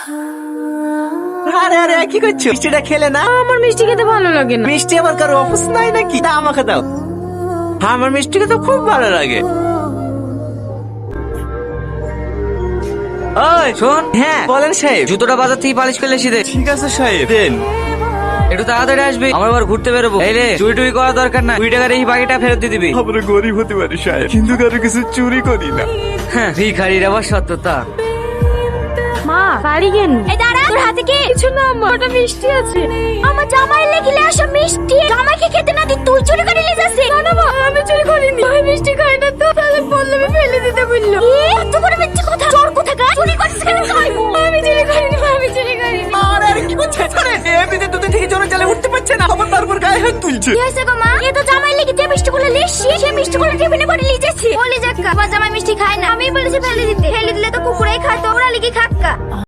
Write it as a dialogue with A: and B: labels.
A: আরে আরে কি করছো? মিষ্টিটা খেলে না?
B: আমার মিষ্টি খেতে ভালো লাগে না।
A: মিষ্টি আমার কারো অপছন্দ নাই নাকি? দাও আমাকে দাও। আমার মিষ্টি খেতে খুব ভালো লাগে।
C: ওই শোন,
A: হ্যাঁ বলেন সাহেব।
C: জুতোটা বাজার থেকে পালিশ করলে এসে দে।
A: ঠিক আছে সাহেব, দেন।
C: একটু তাড়াতাড়ি আসবি, আমরা আবার ঘুরতে বেরোবো। এই রে, চুরি টুরি করার দরকার না, 2 টাকার এই বাকিটা ফেরত দিয়ে দিবি।
A: আমরা গরিব হতে পারি সাহেব, কিন্তু কারো কিছু চুরি করি না।
C: হ্যাঁ, ভিখারির আবার সত্যতা।
B: মা বাড়ি কেন?
D: এই দাঁড়া, তোর হাতে কি?
B: কিছু না আম্মা, ওটা মিষ্টি আছে।
D: আমার জামাই লেগিলে আসা মিষ্টি জামাইকে খেতে না দি তুই চুরি করে নিয়ে যাচ্ছিস?
B: না মা, আমি চুরি করিনি। আমি মিষ্টি খাই না তো, তাহলে পল্লবী ফেলে দিতে বললো।
D: এত করে মিথ্যে কথা, চোর কোথাকার? চুরি করছিস কেন খাইবো?
B: আমি চুরি করিনি মা, আমি চুরি করিনি।
A: আরে আরে কি করছে? আরে এমনিতে দুধ থেকে জোরে চালে উঠতে পারছে না, আবার তারপর গায়ে হাত তুলছে।
D: কি হয়েছে গো মা? এ তো জামাই লেগে যে মিষ্টিগুলো লিখছি, সে মিষ্টিগুলো টিফিনে করে নিয়ে যাচ্ছে। বলি যাক্কা, আমার জামাই মিষ্টি খায় না, আমি বলেছি ফেলে দিতে। ফেলে দিলে তো কুকুরেই খায়, তো ওরা লিখে খাক্কা।